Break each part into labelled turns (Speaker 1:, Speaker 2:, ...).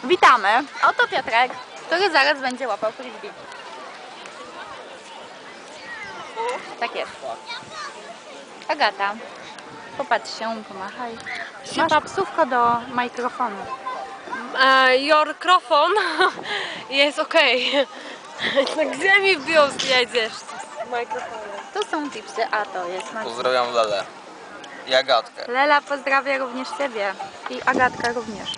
Speaker 1: Witamy. Oto Piotrek, który zaraz będzie łapał frisbee. Tak jest. Agata, popatrz się, pomachaj. Masz psówko do mikrofonu.
Speaker 2: Your mikrofon jest okej. Gdzie mi wbił jedziesz z mikrofonem?
Speaker 1: To są tipsy, a to jest Marcin.
Speaker 3: Pozdrawiam Lelę i Agatkę.
Speaker 1: Lela pozdrawia również Ciebie i Agatka również.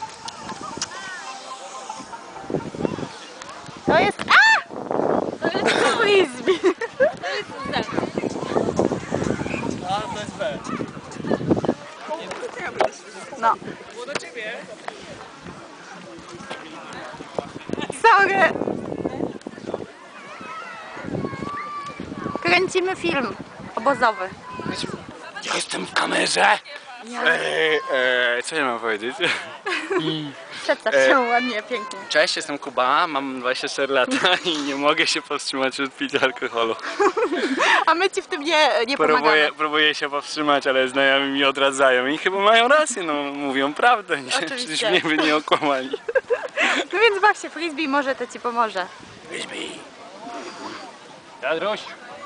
Speaker 1: To jest... A! To jest frisbee.
Speaker 2: To jest Z.
Speaker 3: A, to jest B.
Speaker 1: No.
Speaker 3: Było do ciebie.
Speaker 1: Sorry. Kręcimy film obozowy.
Speaker 3: Ja jestem w kamerze.
Speaker 4: Co ja mam powiedzieć?
Speaker 1: Przedstaw się ładnie, pięknie.
Speaker 4: Cześć, jestem Kuba, mam 24 lata i nie mogę się powstrzymać od picia alkoholu.
Speaker 1: A my Ci w tym nie pomagamy.
Speaker 4: Próbuję się powstrzymać, ale znajomi mi odradzają i chyba mają rację, no mówią prawdę, przecież mnie by nie okłamali.
Speaker 1: No więc baw się frisbee, może to Ci pomoże.
Speaker 4: Frisbee. Jadruś.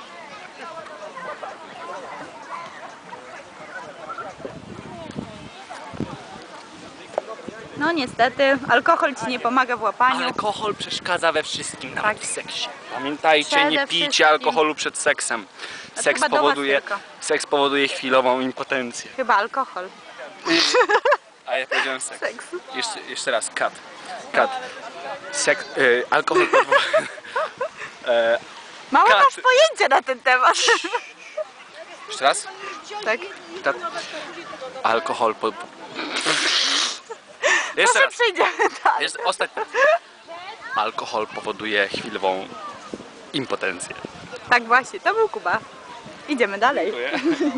Speaker 1: No niestety, alkohol Ci nie pomaga w łapaniu.
Speaker 4: Alkohol przeszkadza we wszystkim, nawet
Speaker 1: Tak.
Speaker 4: w seksie. Pamiętajcie, nie
Speaker 1: Przede
Speaker 4: pijcie
Speaker 1: wszystkim.
Speaker 4: alkoholu przed seksem.
Speaker 1: A to chyba do was tylko.
Speaker 4: Seks powoduje chwilową impotencję.
Speaker 1: Chyba alkohol.
Speaker 4: A ja powiedziałem seks.
Speaker 1: Seks.
Speaker 4: Jeszcze raz, kat. Alkohol powoduje...
Speaker 1: Mało
Speaker 4: Kat.
Speaker 1: masz pojęcia na ten temat.
Speaker 4: Jeszcze raz?
Speaker 1: Tak.
Speaker 4: Kat. Alkohol Jeszcze
Speaker 1: Może
Speaker 4: raz.
Speaker 1: przejdziemy dalej.
Speaker 4: Jeszcze ostatni. Alkohol powoduje chwilową impotencję.
Speaker 1: Tak właśnie, to był Kuba. Idziemy dalej.
Speaker 4: Dziękuję.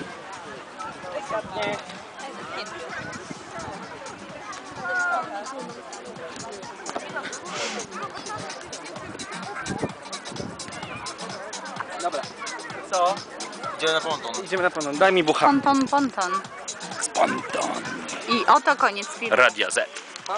Speaker 4: Dobra. Co?
Speaker 3: Idziemy na ponton.
Speaker 4: Idziemy na ponton. Daj mi bucha.
Speaker 1: Ponton, ponton.
Speaker 4: Spontan.
Speaker 1: I oto koniec filmu.
Speaker 4: Radia Z.